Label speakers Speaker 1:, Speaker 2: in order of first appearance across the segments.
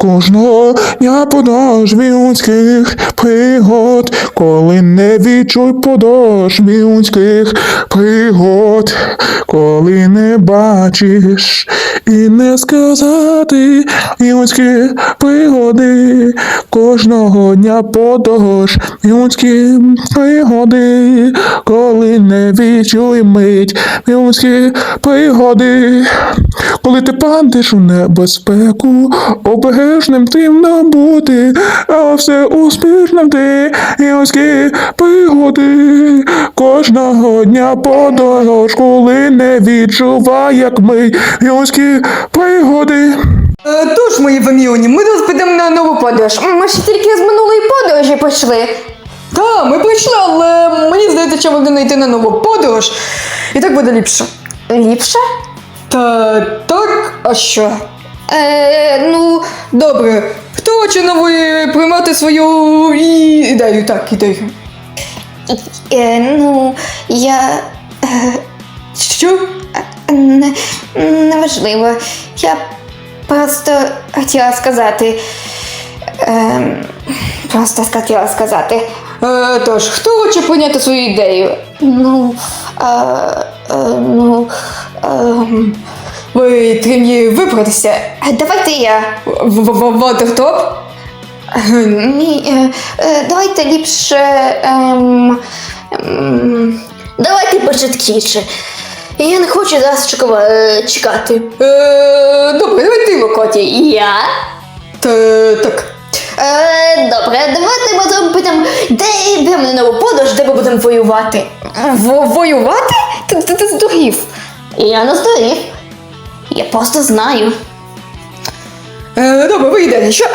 Speaker 1: Кожного дня подошві людських пригод, коли не відчуй подошві людських пригод, коли не бачиш і не сказати людські пригоди, кожного дня подорож людські пригоди, коли не відчуй мить людські пригоди, коли ти падеш у небезпеку, обережним тим бути, а все успішним ти людські пригоди, кожного дня подорож, коли не відчувай, як ми людські пригоди.
Speaker 2: Тож, мої Ваміоні, ми зараз підемо на нову подорож. Ми ще тільки з минулої подорожі пішли. Так, ми прийшли, але мені здається, що будемо йти на нову подорож. І так буде ліпше.
Speaker 3: Ліпше?
Speaker 2: Та так, а що? Ну, добре. Хто хоче нової приймати свою ідею? Так, ідею.
Speaker 3: Ну, я...
Speaker 2: Що?
Speaker 3: Неважливо. Я просто хотіла сказати...
Speaker 2: Тож, хто хоче прийняти свою ідею? Ви тренує вибратися.
Speaker 3: Давайте я.
Speaker 2: Ватертоп?
Speaker 3: Ні, давайте ліпше... Давайте початкіше. Я не хочу зараз чекати.
Speaker 2: Добре, давай ти, Локоті.
Speaker 3: Я?
Speaker 2: Так.
Speaker 3: Добре, давайте ми підемо, де йдемо на нову подорож, де ми будемо воювати.
Speaker 2: Воювати? Ти здурів.
Speaker 3: Я не здурів. Я просто знаю.
Speaker 2: Добре, ви йдете. Що?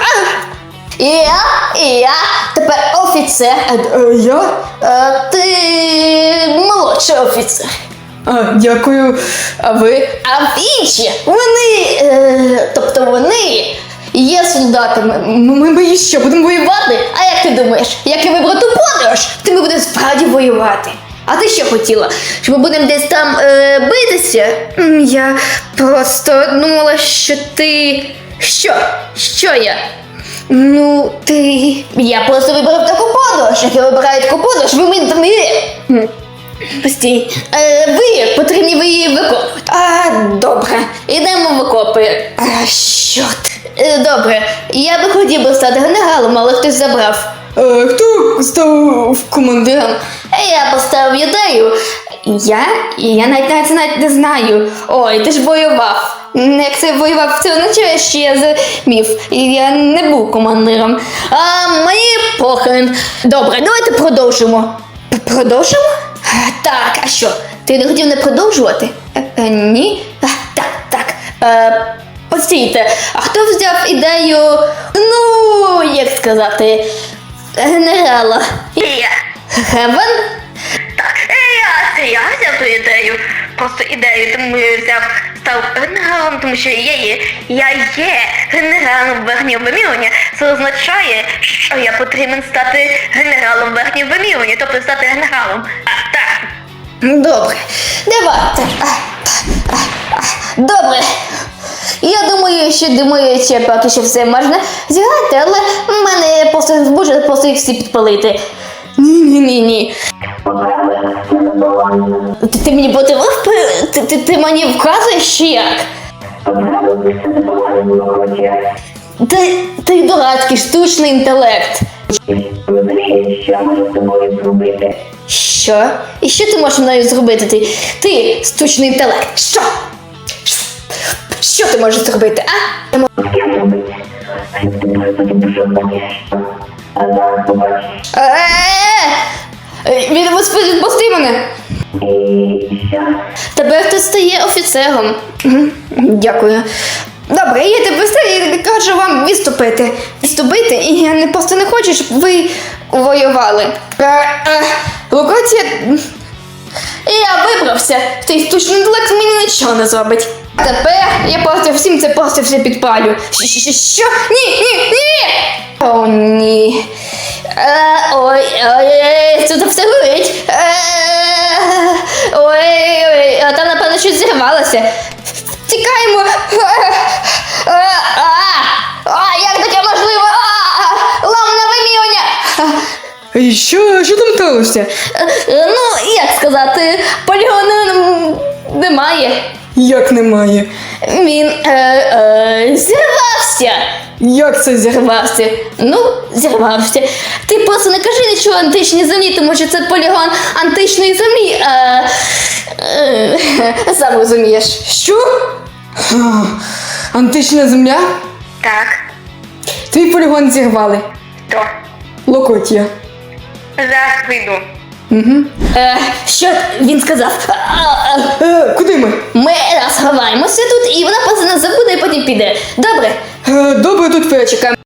Speaker 3: Я тепер офіцер.
Speaker 2: Я?
Speaker 3: Ти молодший офіцер.
Speaker 2: Дякую. А ви?
Speaker 3: А інші, вони є солдатами.
Speaker 2: Ми що, будемо воювати?
Speaker 3: А як ти думаєш, як я вибрав ту подорож, то ми будемо справді воювати. А ти що хотіла? Що ми будемо десь там битися? Я просто думала, що ти... Що я? Ну, ти... Я просто вибрав таку подорож. Як я вибираю таку подорож, Постій. Ви потрібні ви її викопувати. Добре. Ідемо в окопи. Що ти? Добре. Я би хотів стати генералом, але хтось забрав.
Speaker 2: Хто став командиром?
Speaker 3: Я поставив ідею. Я навіть не знаю. Ой, ти ж воював. Як це воював, це означає, що я змів. І я не був командиром. Мені похрен. Добре, давайте продовжимо. Продовжимо? Так, а що? Ти не хотів не продовжувати? Ні? Так. Постійте, а хто взяв ідею, як сказати, генерала? Я. Хевен? Так, я взяв ту ідею. Просто ідею, тому я став генералом, тому що я є генералом в Верхньому Ваміоні. Це означає, що я потрібен стати генералом в Верхньому Ваміоні, тобто стати генералом. Так. Добре, давайте. Добре. Я думаю, що поки що все можна зіграти, але в мене може просто їх всі підпалити. Ні. Ти мені мотивував? Ти мені вказуєш, чи як? Ти дурацький штучний інтелект. Що? І що ти можеш мною зробити? Ти штучний інтелект. Що? Що ти можеш зробити, а? Відпусти мене. Тебе хтось стає офіцером. Дякую. Добре, я тебе кажу вам відступити. І я просто не хочу, щоб ви воювали. Локація... Я вибрався. Цей штучний інтелект мені нічого не зробить. А тепер я просто все підпалю. Що? Ні! О, ні. Ой, це все горить. Ой, а там, напевно, щось зірвалося. Тікаємо. Як
Speaker 2: що там сталося?
Speaker 3: Ну, як сказати, полігону немає.
Speaker 2: Як немає?
Speaker 3: Він зірвався.
Speaker 2: Як це
Speaker 3: Зірвався. Ну, зірвався. Ти просто не кажи нічого античній землі, тому що це полігон античної землі. Сам розумієш.
Speaker 2: Що? Антична земля?
Speaker 4: Так,
Speaker 2: Твій полігон зірвали.
Speaker 4: то.
Speaker 2: Локотія.
Speaker 4: Зараз прийду.
Speaker 3: Що він сказав?
Speaker 2: Куди ми?
Speaker 3: Ми сховаємося тут, і вона просто нас забуде і потім піде. Добре?
Speaker 2: Добре, тут перечекаємо.